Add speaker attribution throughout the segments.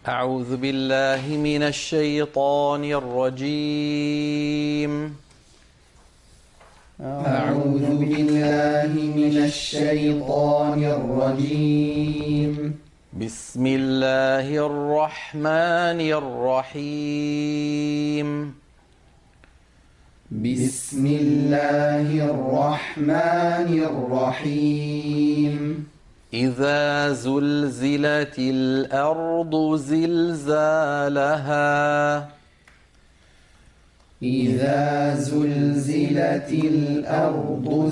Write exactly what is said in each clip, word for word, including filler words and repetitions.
Speaker 1: أعوذ بالله من الشيطان الرجيم.
Speaker 2: أعوذ بالله من الشيطان الرجيم.
Speaker 1: بسم الله الرحمن الرحيم.
Speaker 2: بسم الله الرحمن الرحيم.
Speaker 1: إذا زلزلت الأرض زلزالها
Speaker 2: إذا زلزلت الأرض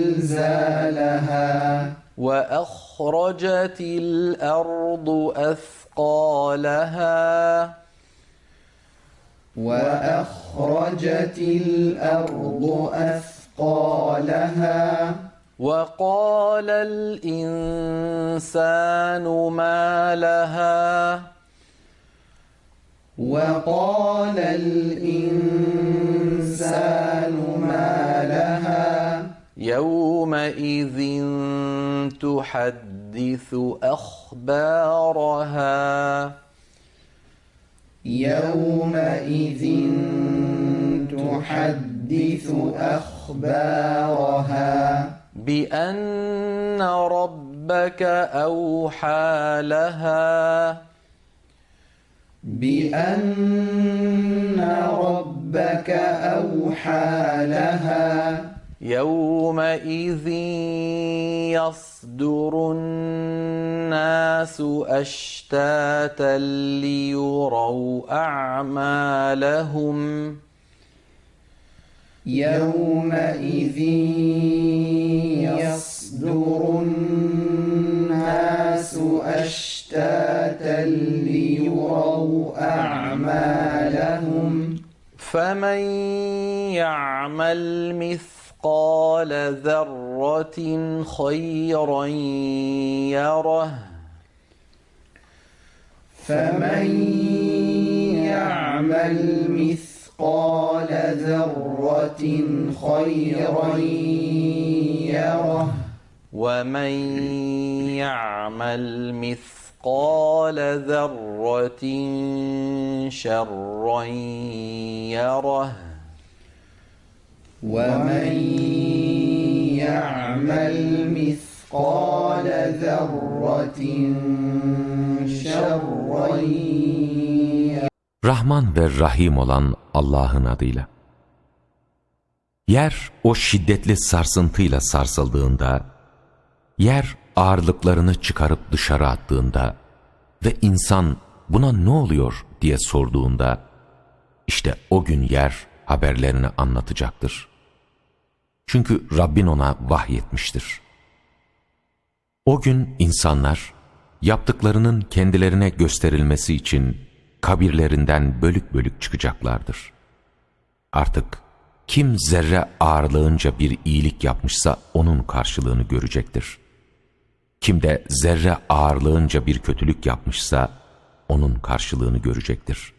Speaker 2: زلزالها
Speaker 1: وأخرجت الأرض أثقالها
Speaker 2: وأخرجت الأرض أثقالها
Speaker 1: وقال الإنسان ما لها
Speaker 2: وقال الإنسان ما لها
Speaker 1: يومئذ تحدث أخبارها
Speaker 2: يومئذ تحدث أخبارها
Speaker 1: بأن ربك أوحى لها
Speaker 2: بأن ربك أوحى لها
Speaker 1: يومئذ يصدر الناس أشتاتا ليروا أعمالهم
Speaker 2: يومئذ يصدر الناس أشتاتا ليروا أعمالهم
Speaker 1: فمن يعمل مثقال ذرة خيرا يره
Speaker 2: فمن يعمل مثقال ذرة خيرا يره
Speaker 1: ومن يعمل مثقال ذرة شرا يره
Speaker 2: ومن يعمل مثقال ذرة شرا يره.
Speaker 3: Rahman ve Rahim olan Allah'ın adıyla. Yer o şiddetli sarsıntıyla sarsıldığında, yer ağırlıklarını çıkarıp dışarı attığında ve insan buna ne oluyor diye sorduğunda, işte o gün yer haberlerini anlatacaktır. Çünkü Rabbin ona vahyetmiştir. O gün insanlar yaptıklarının kendilerine gösterilmesi için kabirlerinden bölük bölük çıkacaklardır. Artık kim zerre ağırlığınca bir iyilik yapmışsa onun karşılığını görecektir. Kim de zerre ağırlığınca bir kötülük yapmışsa onun karşılığını görecektir.